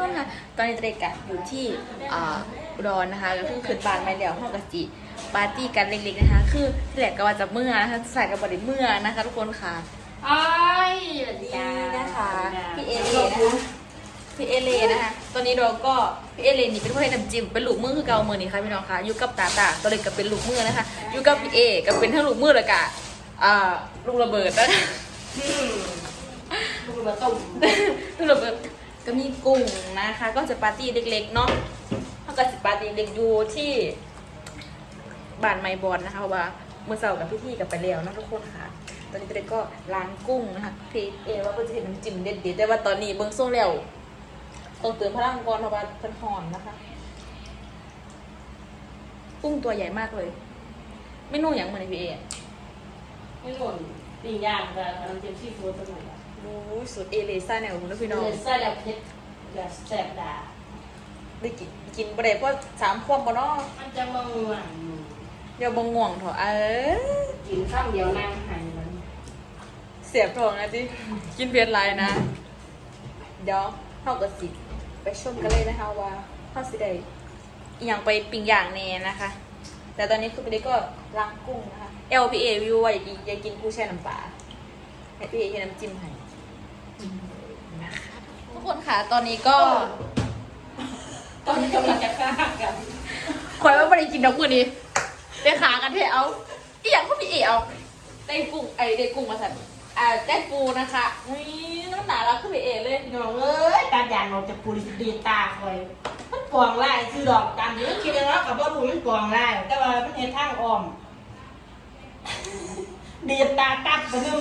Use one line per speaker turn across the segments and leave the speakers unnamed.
คนค่ะตอนนี้เด็กอะอยู่ที่อุดรนะคะก็คือขึ้นบ้านไม่เดี่ยวห้องกะจิปาร์ตี้กันเล็กๆนะคะคือที่แหลกก็ว่าจะเมื่อนะคะใส่กับบริเมื่อนะคะทุกคนค่ะ
อ้ายสวัสดี
นี่นะคะพี่เอเลนะคะพี่เอเลนะคะตอนนี้เราก็พี่เอเลนี่เป็นผู้ให้น้ำจิ้มเป็นลูกมือคือเกาเมือนี่ค่ะพี่น้องค่ะอยู่กับตาตัวเล็กก็เป็นลูกมือนะคะอยู่กับพี่เอก็เป็นทั้งลูกมือเลยกะลูกระเบิดนะคะ
ลูกมาต้ม
ลูกระเบิดก็มีกุ้งนะคะ ก็จะปาร์ตี้เล็กๆเนาะเขาก็จะปาร์ตี้เล็กอยู่ที่บ้านไมบอลนะคะเพราะว่าเมื่อเสาร์กับพี่ๆกับไปแล้วนะทุกคนค่ะ ตอนนี้เด็กก็ล้างกุ้งนะคะพี่เอว่าก็จะเห็นน้ำจิ้มเด็ดๆแต่ว่าตอนนี้เบิ้งส่งแล้วต้องเติมพลังก่อนเพราะว่าเพิ่นหอนนะคะ กุ้งตัวใหญ่มากเลย ไม่นุ่มอย่างเหมือนพี่เอ
ไม่หล่นปิ้งย่างกับน้ำจิ้มซีฟู้ดตัวหนึ่ง
โอ้ยสุดเอเลซ่าแนวคุณพี่น้อง
เลยใส่แบบเผ็ดแบบแสบดา
ได้กินประเดี๋ยวก็3 ขวบบ่เนาะ
มันจะมาง่วง
เดี๋ยวบ่ง่วงเถอะ
กินข้าวเดียวนั่งหายมัน
เสียบท้องนะจิกินเพียรไรนะเดี๋ยวเข้ากับสิไปชมกันเลยนะคะว่าเข้าสิได้อีหยังไปปิ้งย่างแน่นะคะ แต่ตอนนี้คือไปได้ก็ล้างกุ้งนะคะ LPA วิวว่าอยากกินกุ้งแช่น้ำปลา LPA ให้น้ำจิ้มให้นะคะทุกคนค่ะตอนนี้ก็
ตอนนี้กำลังจะฆ่ากัน
คอยว่าไม่ได้กินดอกมือนี้ได้ขากันเทเอาอีหยังก็พี่เอเอาได้กุ้งได้กุ้งมาสั่นได้ปูนะคะนี่น้ำหนารักคือพี่เอเลย
น้องเอ้ยตาหยางเราจะปูดีตาคอยมันปองไล่คือดอกกันอยู่คิดว่ากับว่าปูมันปองไล่แต่ว่ามันเห็นทางอ้อมดีตาตัดไปนึง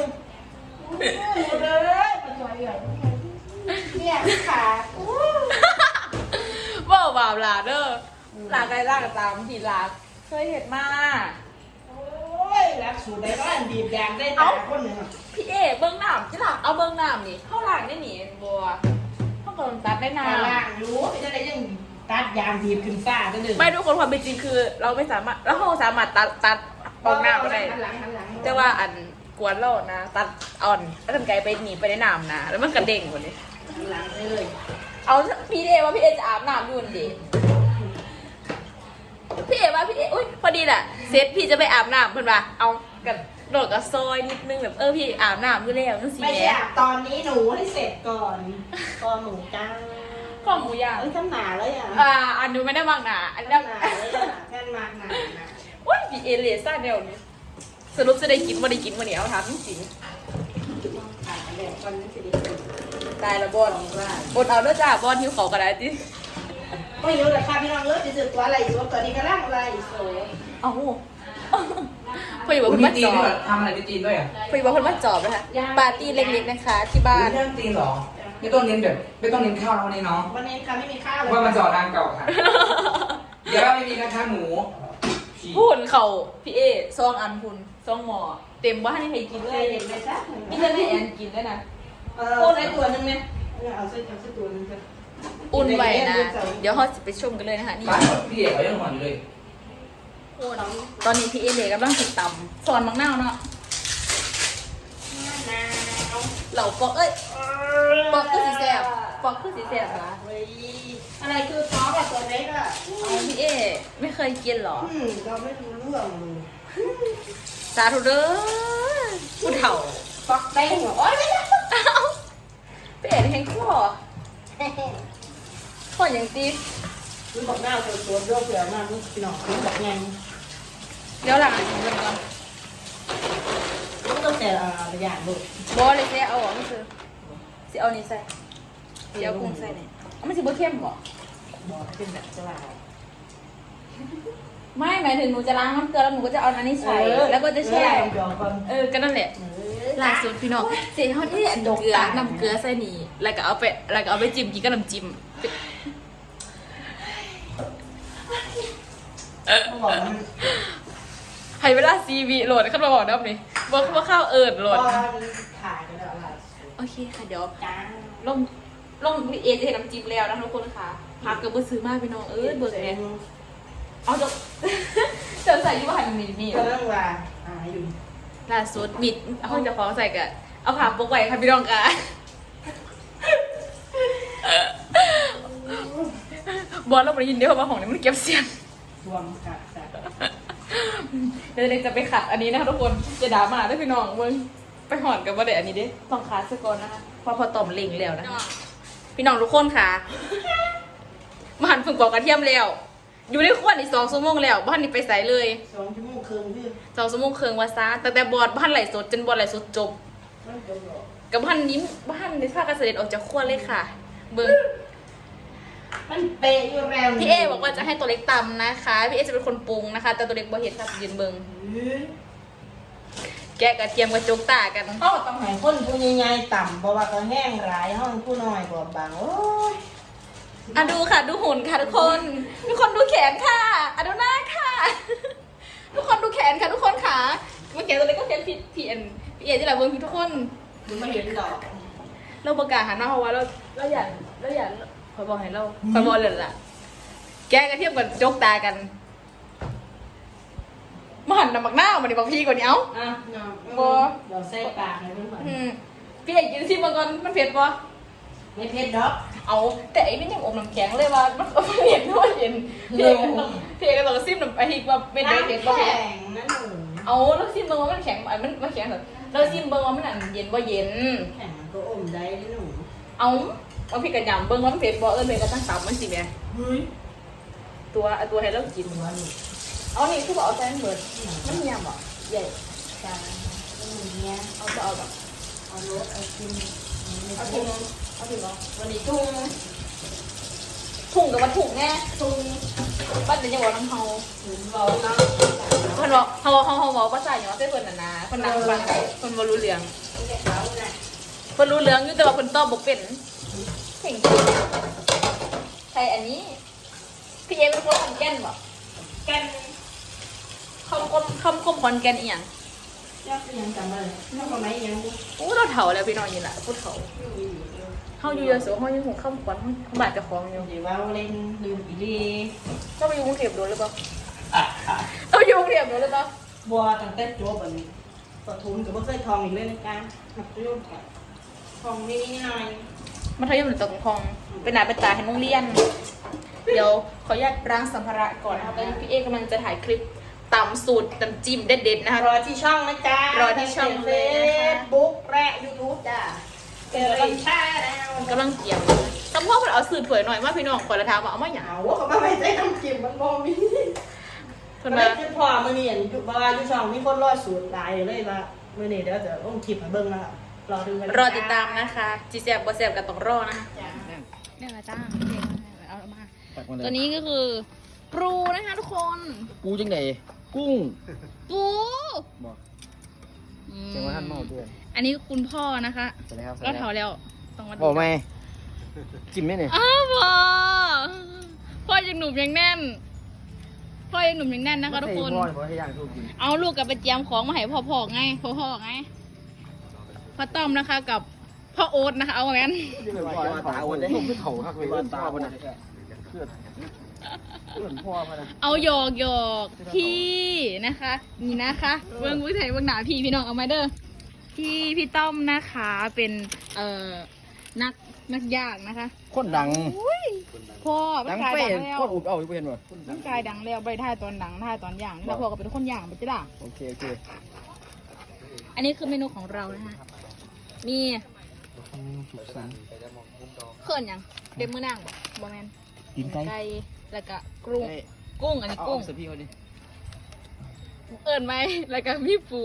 เลยมาช่วยเลยเนี่ยขาอู้
ว่าบาปลาเด้อลาไกลลากตามทีลาเคยเห็นมา
โอ้ยรักสูดได้บ้านดีแดงได้ตาคนหนึ่ง
พี่เอเบิ้งน้ำที่หลังเอาเบิ้งน้ำนี่เข้าหลังได้หนีบัวเข้ากำลังตัดได้นา
ตาล่างรู้ไม่ได้ยังตัดยางดีขึ้นฟ้าก็เลย
ไม่ทุกคนความเป็นจริงคือ เราไม่สามารถเราสามารถตัดปองน้ำก็ได้
หันหลัง
แต่ว่าอันกวนเรานะ ตัดอ่อนแล้วทำไกลไปหนีไปในน้ำนะแล้วมันกระเด้งหมดเลย
หันหลังเลย
เอาพี่เอว่าพี่เอจะอาบน้ำอยู่ดิพี่เอว่าพี่เออุ้ยพอดีแหละเซตพี่จะไปอาบน้ำเพื่อนว่าเอากับโดดกับซอยนิดนึงแบบพี่อาบน้ำอยู่แล้วนั่นสิ
ไม่
แห
ใช่
ละ
ตอนนี้หนูให้เสร็จก่อนคอหมูจ้า
ข้าวหมูย่าง
ทำหนาเลยอ่ะ
อันนู้นไม่ได้บางหนาอัน
ทำ
นั้น
หนาเลยอ่ะแค่มากหนา
โอ้ยพี่เอเลซ่าแนวนี้สรุปจะได้กินบ่ได้กินวันนี้เอาถามจริง
ถ่ายแบบคนนี้สิ
ๆตายละบอลบนเอาเด้อจ้าบอลหิวเขาก็ได้จิ
ไม่รู้แต่ค่ะพี่น้องเลิกจะสึกตัวอะไรอยู่ตัวนี้ก็ร่างอะไรโซ่
เอาพออยู่ว่า
คุณ
คน
มี
มา
จี
จ
น
อ
ด้วย
บ
ทำอะไรที่จีนด้วยอ่ะ
พออยู่ว่าคนมาจอบนะคะปาร์ตี้เล็กๆนะคะ ที่บ้าน
เรื่องจีนเหรอไม่ต้องเน้นแบบไม่ต้องเน้นข้าวแล้ววันนี้เนาะ
วันนี้ค่ะไม่มีข้าวเลย
ว่ามันจอดนางเก่าค่ะเดี๋ยวไม่มีนะคะหมู
พูนเขาพี่เอซองอันพุนซองหมอเต็มว่าให้ใครกินเล
เค
ย
ยเห็นไหมจ๊ะ
นี่จะให้แอนกินด้วยนะ
พูดได้ตัวนึงไหมเอาเส้นตัวนึงจ้ะ
อุ่นไว้นะ เดี๋ยวเขาจะไปชมกันเลยนะคะนี่
บ้านพี่เอกเขายังหอนอยู่เลย
ตอนนี้พี่เอเลยกำลังติดตำสอนมังนาวเนาะเหล่าปอกปอกคือสีแสบปอกคือสีแสบนะ
อะไรคือซอสแบบตัวเล็กอ่ะ
เอาพี่เอไม่เคยกินหรอ
เราไม่รู้เรื่องเลย
สาธุเด้อผู้เฒ่า
ฟอกแป้งเหรอโอ๊ยไม่ได้
พี่เอแห้งข้อข้ออย่างตี
คุณบอกหน้าตัวเรื่องเผื่อมากนี่พี่น้องคุณบอกไง
เดี๋ยวหลังอ่านของกันก่อน
ต้องแต่ละอย่างลูก
บอเลยเสียเอาออกไม่คือสิเอานี่ใส่สิเอากุ้งใส่เนี่ยเอามันสิบ่เข้มบ่
บอกเป็นแบบจะว่า
ไม่หมายถึงหนูจะล้างน้ำเกลือแล้วหนูก็จะเอาอันนี้ใส่แล้วก็จะแช่
ยอมก่อน
ก็นั่นแหละล่าสุดพี่น้องเสียเขาที่อันเกลือน้ำเกลือใส่นี่แล้วก็เอาไปจิ้มกินกับน้ำจิ้ม
ต้องบอกมัน
ให้เวลา4 วิโหลดขึ้นมาบอกน้ำนี่ว่าข้าวโหลด
ถ่ายกันแล้วอะไร
โอเคค่ะเดี๋ยว
จ้า
ลงพี่เอจะเห็นน้ำจิ้มแล้วนะทุกคนค่ะพักเกือบซื้อมากพี่น้องเบิกเนี่ยเอาจะเจอใส่ยี่ห้อหันมี
ก็เรื่องว่าอยู่
ล่าสุดมิดห้องจะฟ้องใส่กันเอาผ่าปกไว้ค่ะพี่น้องค่ะบอสเราไปยินเดียวว่าของนี้มันเก็บเสียง
รวมกัดแต่
เดี๋ยวเด็กจะไปขัดอันนี้นะคะทุกคนจะด่ามาด้วยพี่น้องมึงไปหอนกับว่าเด็กอันนี้ดิต้องขาสก่อนนะคะพอต่อมเล็งแล้วนะคะพี่น้องทุกคนค่ะมาหันฝึกปอกกระเทียมแล้วอยู่ในขวดอีก2 ชั่วโมงแล้วบ้านนี้ไปใส่เลย
2 ชั่วโมงครึ่งคือ
2 ชั่วโมงครึ่งว่าซะแต่บอดบ้านไหลสดจนบอดไหลสดจบ
มันจบหรอ
กับบ้านนี้บ้านในภาคเกษตรออกจากขวดเลยค่ะ เบิ้ง
มันเปะอยู่แล้ว
พี่เอบอกว่าจะให้ตัวเล็กตำนะคะพี่เอจะเป็นคนปรุงนะคะ แต่ตัวเล็กบ่เห็นค่ะยืนเบิ้งแกะกระเทียมกระจกตากัน
เขาต้องให้คนผู้ใหญ่ๆต่ำเพราะว่าเขาแห้งหลายห้องผู้น้อยบอบบางโอ้ย
อ่ะดูค่ะดูหุ่นค่ะทุกคนดูแขนค่ะอ่ะดูหน้าค่ะ ทุกคนดูแขนค่ะทุกคนค่ะเมื่อกี้ตัวเล็กก็แขนพี่เอที่ไหนเบิ้งทุกคน
ดูไม่เห็นหรอก
เราประกาศหันมาเพราะว่าเราอยากคอยบอกให้เราคอยบอกเลยล่ะ แกะกระเทียมกับจกตากันมาหันน้ำมักหน้ามาดิบอกพี่กว่านี้เอ้า
อ่ะเนาะ
บ่
เดี๋ยวใส่ปากให้เพื่อน
พี่เอกกินซิมาก่อนมันเผ็ดปะ
ไม่เผ็ดดอก
เอาแต่ไอ้นี่ยังอมน้ำแข็งเลยว่ามันเห็นด้วยเห็นพี่เอกก็ต้องซิมน้ำไอ้ที่ว่าเป็นไงเผ็ดปะ
แข็งนะหนู
เอาแล้วซิมเบิ่งว่ามันแข็งมันแข็งเหรอแล้วซิมเบิ่งว่ามันเย็นบ่เย็น
แข็งมันก็อมได้นะหนู
เอาพี่กระยำเบิ่งว่ามันเผ็ดบ่เมย์ก็ตั้งตับมันสิแม่
เฮ้ย
ตัวให้เรากิน
ตัวนี้
เอานี่คือบอกเอาใจมันเบิดมันยำอ่ะใหญ่
จานนี่เนี่ย
เอาแบบ
เอารสเอากิน
เอาถุงเอาถุงเนาะ
วันนี้ทุ่ง
ถุงกับว่าถุงแน่ถุงบ้านเดี๋ยวจะบอกน้ำเฮา
ถึงเราเนาะ
เพิ่นบอกเฮาบอกภาษาหยังว่าเพิ่นน่ะนะเพิ่นนั่งฟังเพิ่นบ่รู้เรื่อง
เด็กเขาเนี่ย
เพิ่นรู้เรื่องอยู่แต่ว่าเพิ่นตอบบ่เป็นเพ่งจริงใช่อันนี้พี่เอเป็นคนขอนแก่นบ่
แกัน
คำคมขอนแก่นอีหยัง
ยอดยังจำเลยยอดทำไมยังบุ
โอ้เราเฒ่าแล้วพี่น้องนี่ล่ะผู้เฒ่าเฮาอยู่ยโสเฮายังหูคำขวัญเฮาบาดเจ้าของอยู่
เดี๋ยวว่าเล่นลืมอีลี
เจ้าไปอยู่กรุงเทพโดนหรือเปล่าเอาอยู่กรุงเทพโดนหรือเปล่า
บัวตั้งแต่จบแบบนี้ปทุมกับบ่เคยทองอีกเลยนะการหักยุ่งกับทองนิดหน่อย
มัธยมหรือตกคลองเป็นหน้าเป็นตาให้โรงเรียน เดี๋ยวขออนุญาตล้างสัมภาระก่อนนะคะตอนนี้พี่เอกำลังจะถ่ายคลิปตำสูตรตำจิ้มเด็ดๆนะคะ
รอที่ช่องนะจ๊ะ
รอที่ช่อง
เฟ
เลยนะคะ
ซบุ๊กและยูทูบจ้ะเจอกันช่าแล้ว
กำลังเกี่ยวทำพ่อมันเอาสื่อเผยหน่อยว่าพี่น้องขอละทามว่าเอามาหยา
เอาว่าเขาไม่ได้ทำกิมมันบ่มี
เพิ่น
ไม่
มา
คือพอมือนี่อยู่บ้านอยู่ช่องมีคนรอดสูตรหลายเลยว่ามือนี่เดี๋ยวจะลงคลิปให้เบิ่งนะครับรอดูกัน
รอติดตามนะคะจีแซบบ่แซบก็ต้องรอนะคะเนี่ยมาจ้าเอามา
ตักมาเลย
ตัวนี้ก็คือปูนะคะทุกคน
กูจังไหนกุ้ง
ปู
บอก
อืม
เสียงว่าท่านเมาด้วย
อันนี้คุณพ่อนะคะ
สวัสดีครับ
ก็เท่าแล้วต้องมาดู
บอกไหมกินไหมเนี่ย
อ้าวพ่อยังหนุ่มยังแน่นพ่อยังหนุ่มยังแน่นนะคะทุกคน
พ่อให้ย่างทุกกิน
เอาลูกกับไปเจียมของมาให้พ่อไงพ่อไงพ่อต้อมนะคะกับพ่อโอ๊ตนะคะเอาไว้งั้น
พ่อตาอ้วนเลยผมคือเถ่าครับเลยตาอ้วนนะเพื่อนพ่อมานะ
เอาหยอกพี่นะคะนี่นะคะเบิ้งวิถีเบิ้งหนาพี่น้องเอามาเด้อพี่ต้อมนะคะเป็นนักย่างนะคะ
คนดัง
อุ้ยพ่อ
ดั
ร่าง
ง
กาย
เป้
ดังแล้ว
คนอุดเอาอยู่เห็นป่ะ
ร่างกายดังแล้วไปท่ายตอนดังท่ายตอนย่างนี่แล้วพ่อก็เป็นคนย่างไปจ้ะล่ะ
โอเค
อันนี้คือเมนูของเรานะคะมีเขื่อนยังเด็มมือนางบอแมน
กินไก่
ไก่แล้วก็กุ้งอันนี้
เอา
กุ้ง
เสือพี่เขาดิ
เอิญไหมแล้วก็มีปู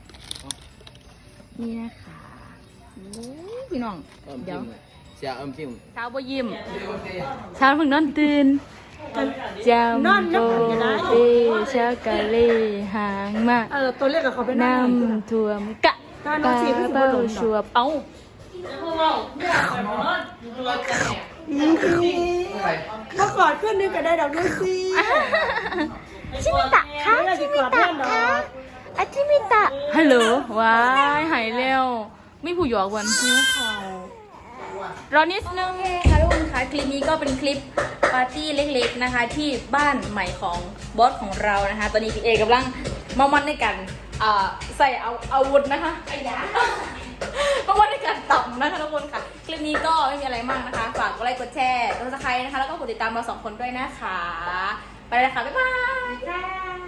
นี่นะคะโอ้ยพี่น้องเดี๋ยว
เสียจิ้ม
เช้าบ่ยิ้มเช้าเพิ่งนอนตื่นจำโบเอชากะเลหางมาก
ตัวเล็กกับเขาเป็น
น้ำท่วมกะปลาเป้าชัวบเอ้า
เมื่อก่อนขึ้นนึงก็ได้ดอกด้วยสิ
ชิมิตะคะชิมิตะคะอาชิมิตะฮัลโหลว้ายหายเร็วไม่ผู้หยอกวันรอนิดนึงค่ะทุกคนคะคลิปนี้ก็เป็นคลิปปาร์ตี้เล็กๆนะคะ ที่บ้านใหม่ของบอสของเรานะคะ ตอนนี้พี่เอกำลังเมามันในกันใส่อาวุธนะคะ มาราะว่าในการต่ำนะคะทุกคนค่ะคลิปนี้ก็ไม่มีอะไรมากนะคะฝากกดไลค์กดแชร์กดซับสไครต์นะคะแล้วก็กดติดตามเรา2 คนด้วยนะคะไปเลยค่ะบ๊ายบาย
จ้า